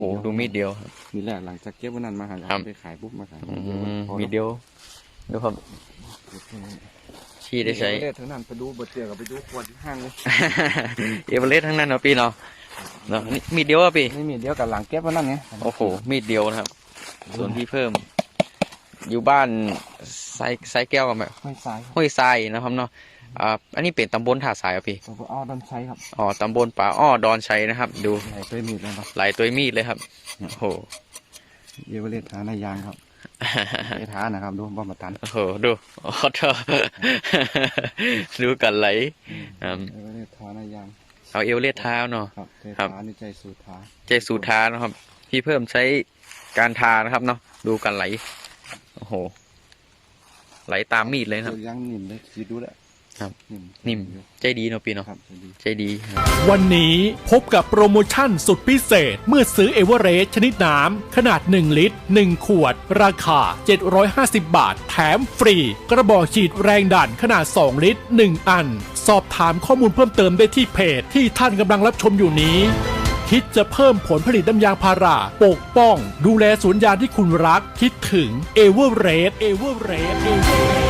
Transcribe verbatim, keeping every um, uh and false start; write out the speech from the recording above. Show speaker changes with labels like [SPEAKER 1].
[SPEAKER 1] โอ้ดูมีดเดียวครับ
[SPEAKER 2] มีแหละหลังจากเก็บวันนั้นมาหา
[SPEAKER 1] ครับ
[SPEAKER 2] ไปขายปุ๊บมาขาย
[SPEAKER 1] อืมมีดเดียวดูครับชี้ได้ใช้
[SPEAKER 2] เลือดทั้งนั้นไปดูบทเตียกับไปดูขวดที่ห้างเลย
[SPEAKER 1] เอเวอเรสต์ทั้งนั้นเนาะพี่เนาะเนาะนี่มีดเดียวอ่ะพี่
[SPEAKER 2] ไม่มีเดียวกับหลังเก็บวันนั้นไง
[SPEAKER 1] โอ้โหมีดเดียวนะครับ ส่วนที่เพิ่ม อยู่บ้านไซไซแก้วกับแบบ
[SPEAKER 2] ไม่สาย
[SPEAKER 1] ห้วยทรายนะครับเนาะอ่าอันนี้เป็นตำบลท่าทรายอ่ะพี่
[SPEAKER 2] ผมก็อ้อดันใช้ครับ
[SPEAKER 1] อ๋อตำบลป่าอ้อดอนชัยนะครับ ดู
[SPEAKER 2] ไหลไปมีดเลยครับ
[SPEAKER 1] หลายตัวมีดเลยครับโอ้โห
[SPEAKER 2] เยาวเลทาในยางครับเอทานะครับดูบ่มาตัน
[SPEAKER 1] โอ้โหดูโอ้โหเธอ ดูกันไหลอืม
[SPEAKER 2] เยาวเลทาในยาง
[SPEAKER 1] เอาเอวเลียดเท้าเนาะ
[SPEAKER 2] ครับเท
[SPEAKER 1] ครับ
[SPEAKER 2] ทานี่ใจสูทา
[SPEAKER 1] ใจสูทานะครับ พี่เพิ่มใช้การทานะครับเนาะดูกันไหลโอ้โหไหลตามมีดเลยนะครับ
[SPEAKER 2] ยังนิ่มเลยคิดดูแหละ
[SPEAKER 1] ครับ
[SPEAKER 2] นิ่ม
[SPEAKER 1] นิ่มใจดีเนาะพี่เนาะ
[SPEAKER 2] ครับจะดี
[SPEAKER 1] ใจดีครับ
[SPEAKER 3] วันนี้พบกับโปรโมชั่นสุดพิเศษเมื่อซื้อเอเวอเรสต์ชนิดน้ำขนาดหนึ่งลิตรหนึ่งขวด ราคา เจ็ดร้อยห้าสิบบาท แถมฟรี กระบอกฉีดแรงดันขนาดสองลิตรหนึ่งอัน สอบถามข้อมูลเพิ่มเติมได้ที่เพจที่ท่านกำลังรับชมอยู่นี้ คิดจะเพิ่มผลผลิตน้ำยางพาราปกป้อง ดูแลสวนยางที่คุณรัก คิดถึงเอเวอเรสต์เอเวอเรสต์เอเวอเรสต์